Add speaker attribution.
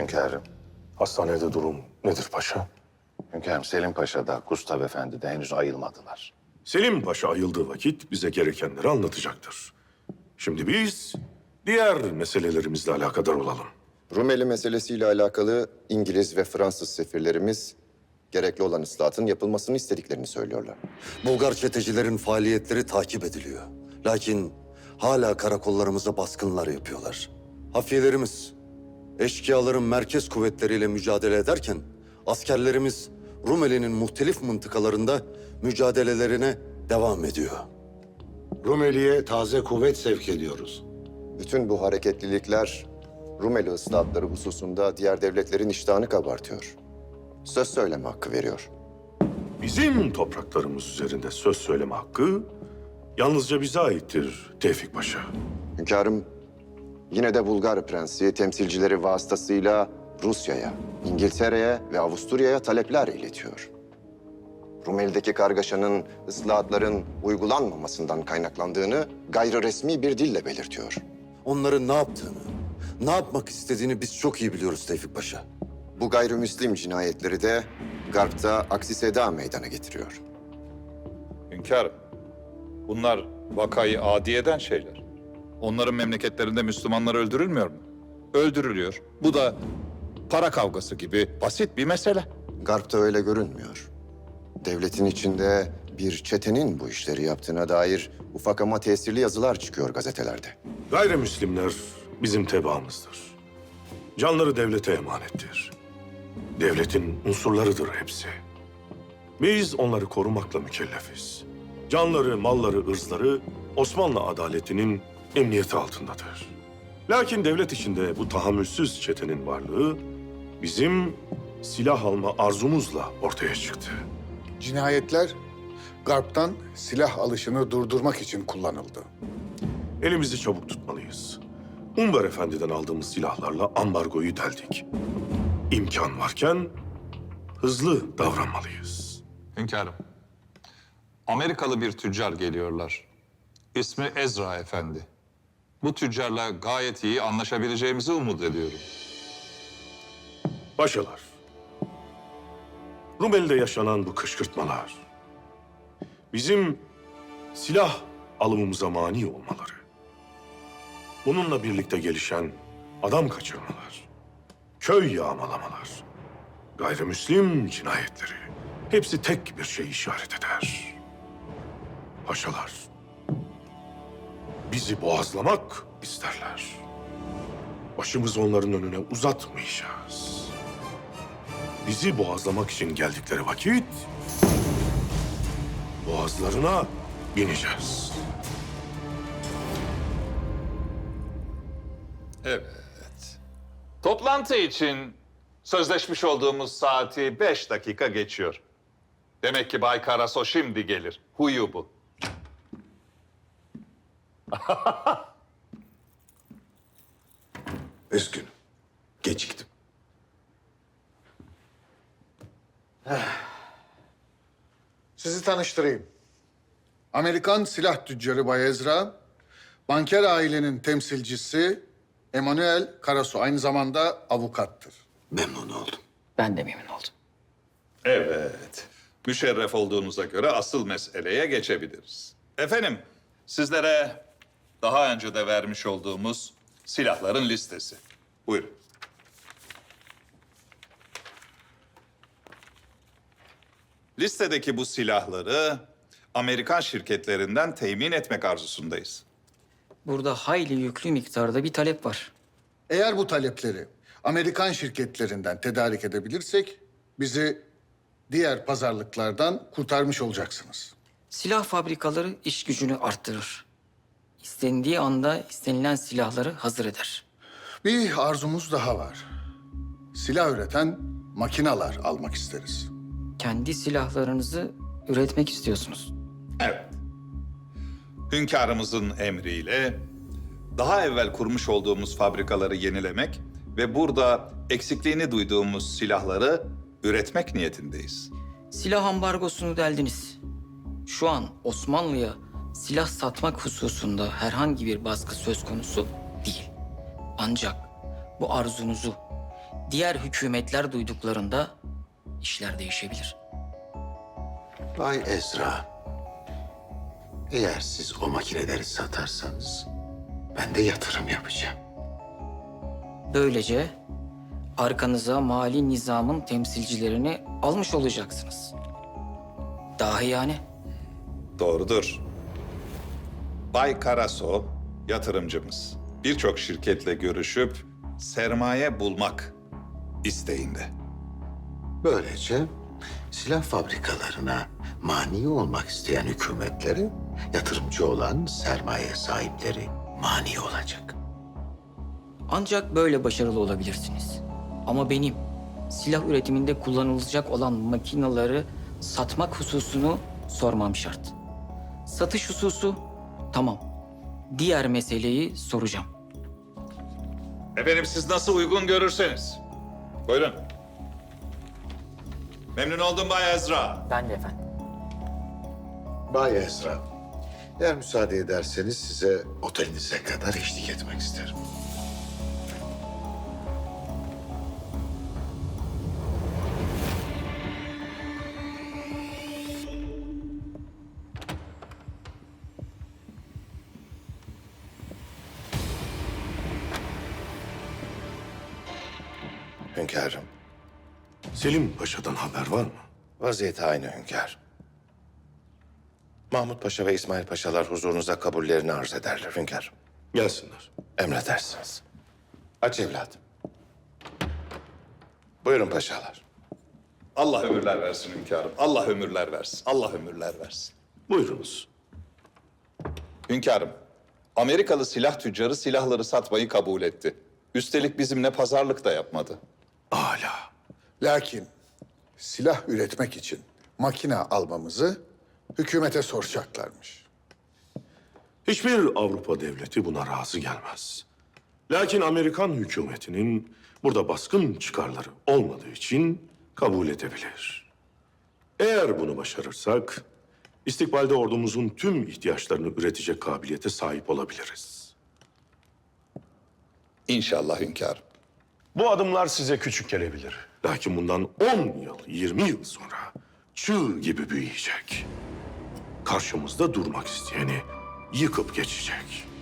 Speaker 1: Hünkârım.
Speaker 2: Hastanede durum nedir paşa?
Speaker 1: Hünkârım, Selim Paşa da Gustav Efendi de henüz ayılmadılar.
Speaker 2: Selim Paşa ayıldığı vakit bize gerekenleri anlatacaktır. Şimdi biz diğer meselelerimizle alakadar olalım.
Speaker 3: Rumeli meselesiyle alakalı İngiliz ve Fransız sefirlerimiz gerekli olan ıslahatın yapılmasını istediklerini söylüyorlar.
Speaker 4: Bulgar çetecilerin faaliyetleri takip ediliyor. Lakin hala karakollarımıza baskınlar yapıyorlar. Hafiyelerimiz eşkıyaların merkez kuvvetleriyle mücadele ederken askerlerimiz Rumeli'nin muhtelif mıntıkalarında mücadelelerine devam ediyor.
Speaker 5: Rumeli'ye taze kuvvet sevk ediyoruz.
Speaker 3: Bütün bu hareketlilikler Rumeli ıslahatları hususunda diğer devletlerin iştahını kabartıyor. Söz söyleme hakkı veriyor.
Speaker 2: Bizim topraklarımız üzerinde söz söyleme hakkı yalnızca bize aittir Tevfik Paşa.
Speaker 3: Hünkârım, yine de Bulgar prensi temsilcileri vasıtasıyla Rusya'ya, İngiltere'ye ve Avusturya'ya talepler iletiyor. Rumeli'deki kargaşanın ıslahatların uygulanmamasından kaynaklandığını gayri resmi bir dille belirtiyor.
Speaker 4: Onların ne yaptığını, ne yapmak istediğini biz çok iyi biliyoruz Tevfik Paşa.
Speaker 3: Bu gayrimüslim cinayetleri de Garp'ta aksi seda meydana getiriyor.
Speaker 6: Hünkârım, bunlar vakayı adi eden şeyler. Onların memleketlerinde Müslümanlar öldürülmüyor mu? Öldürülüyor. Bu da para kavgası gibi basit bir mesele.
Speaker 3: Garp'ta öyle görünmüyor. Devletin içinde bir çetenin bu işleri yaptığına dair ufak ama tesirli yazılar çıkıyor gazetelerde.
Speaker 2: Gayrimüslimler bizim tebaamızdır. Canları devlete emanettir. Devletin unsurlarıdır hepsi. Biz onları korumakla mükellefiz. Canları, malları, ırzları Osmanlı adaletinin emniyeti altındadır. Lakin devlet içinde bu tahammülsüz çetenin varlığı bizim silah alma arzumuzla ortaya çıktı.
Speaker 7: Cinayetler Garp'tan silah alışını durdurmak için kullanıldı.
Speaker 2: Elimizi çabuk tutmalıyız. Umber Efendi'den aldığımız silahlarla ambargoyu deldik. İmkan varken hızlı davranmalıyız.
Speaker 6: Hünkârım, Amerikalı bir tüccar geliyorlar. İsmi Ezra Efendi. Bu tüccarla gayet iyi anlaşabileceğimizi umut ediyorum.
Speaker 2: Paşalar, Rumeli'de yaşanan bu kışkırtmalar, bizim silah alımımıza mani olmaları, bununla birlikte gelişen adam kaçırmalar, köy yağmalamalar, gayrimüslim cinayetleri, hepsi tek bir şey işaret eder. Paşalar, bizi boğazlamak isterler. Başımızı onların önüne uzatmayacağız. Bizi boğazlamak için geldikleri vakit boğazlarına bineceğiz.
Speaker 6: Evet. Toplantı için sözleşmiş olduğumuz saati 5 dakika geçiyor. Demek ki Bay Karaso şimdi gelir. Huyu bu.
Speaker 5: Üzgünüm. Geciktim.
Speaker 7: Sizi tanıştırayım. Amerikan silah tüccarı Bay Ezra, banker ailenin temsilcisi Emanuel Karasu, aynı zamanda avukattır.
Speaker 4: Memnun oldum.
Speaker 8: Ben de memnun oldum.
Speaker 6: Evet. Müşerref olduğunuza göre asıl meseleye geçebiliriz. Efendim, sizlere daha önce de vermiş olduğumuz silahların listesi. Buyurun. Listedeki bu silahları Amerikan şirketlerinden temin etmek arzusundayız.
Speaker 8: Burada hayli yüklü miktarda bir talep var.
Speaker 7: Eğer bu talepleri Amerikan şirketlerinden tedarik edebilirsek bizi diğer pazarlıklardan kurtarmış olacaksınız.
Speaker 8: Silah fabrikaları iş gücünü arttırır. İstendiği anda istenilen silahları hazır eder.
Speaker 7: Bir arzumuz daha var. Silah üreten makinalar almak isteriz.
Speaker 8: Kendi silahlarınızı üretmek istiyorsunuz.
Speaker 6: Evet. Hünkârımızın emriyle daha evvel kurmuş olduğumuz fabrikaları yenilemek ve burada eksikliğini duyduğumuz silahları üretmek niyetindeyiz.
Speaker 8: Silah ambargosunu deldiniz. Şu an Osmanlı'ya silah satmak hususunda herhangi bir baskı söz konusu değil. Ancak bu arzunuzu diğer hükümetler duyduklarında işler değişebilir.
Speaker 9: Bay Ezra, eğer siz o makineleri satarsanız ben de yatırım yapacağım.
Speaker 8: Böylece arkanıza mali nizamın temsilcilerini almış olacaksınız. Dahi yani.
Speaker 6: Doğrudur. Bay Karaso, yatırımcımız. Birçok şirketle görüşüp sermaye bulmak isteğinde.
Speaker 9: Böylece silah fabrikalarına mani olmak isteyen hükümetleri, yatırımcı olan sermaye sahipleri mani olacak.
Speaker 8: Ancak böyle başarılı olabilirsiniz. Ama benim silah üretiminde kullanılacak olan makinaları satmak hususunu sormam şart. Satış hususu tamam. Diğer meseleyi soracağım.
Speaker 6: Efendim siz nasıl uygun görürseniz. Buyurun. Memnun oldum Bay Ezra.
Speaker 8: Ben de efendim.
Speaker 9: Bay Ezra, eğer müsaade ederseniz size otelinize kadar eşlik etmek isterim.
Speaker 1: Hünkârım,
Speaker 2: Selim Paşa'dan haber var mı?
Speaker 1: vaziyeti aynı hünkâr. Mahmut Paşa ve İsmail Paşalar huzurunuza kabullerini arz ederler hünkârım.
Speaker 2: Gelsinler.
Speaker 1: Emredersiniz. Aç evladım. Buyurun paşalar.
Speaker 6: Allah ömürler versin hünkârım. Allah ömürler versin. Allah ömürler versin.
Speaker 2: Buyurunuz.
Speaker 6: Hünkârım, Amerikalı silah tüccarı silahları satmayı kabul etti. Üstelik bizimle pazarlık da yapmadı.
Speaker 2: Âlâ.
Speaker 7: Lakin silah üretmek için makine almamızı hükümete soracaklarmış.
Speaker 2: Hiçbir Avrupa devleti buna razı gelmez. Lakin Amerikan hükümetinin burada baskın çıkarları olmadığı için kabul edebilir. Eğer bunu başarırsak, istikbalde ordumuzun tüm ihtiyaçlarını üretecek kabiliyete sahip olabiliriz.
Speaker 6: İnşallah hünkârım.
Speaker 2: Bu adımlar size küçük gelebilir. Lakin bundan 10 yıl, 20 yıl sonra çığ gibi büyüyecek. Karşımızda durmak isteyeni yıkıp geçecek.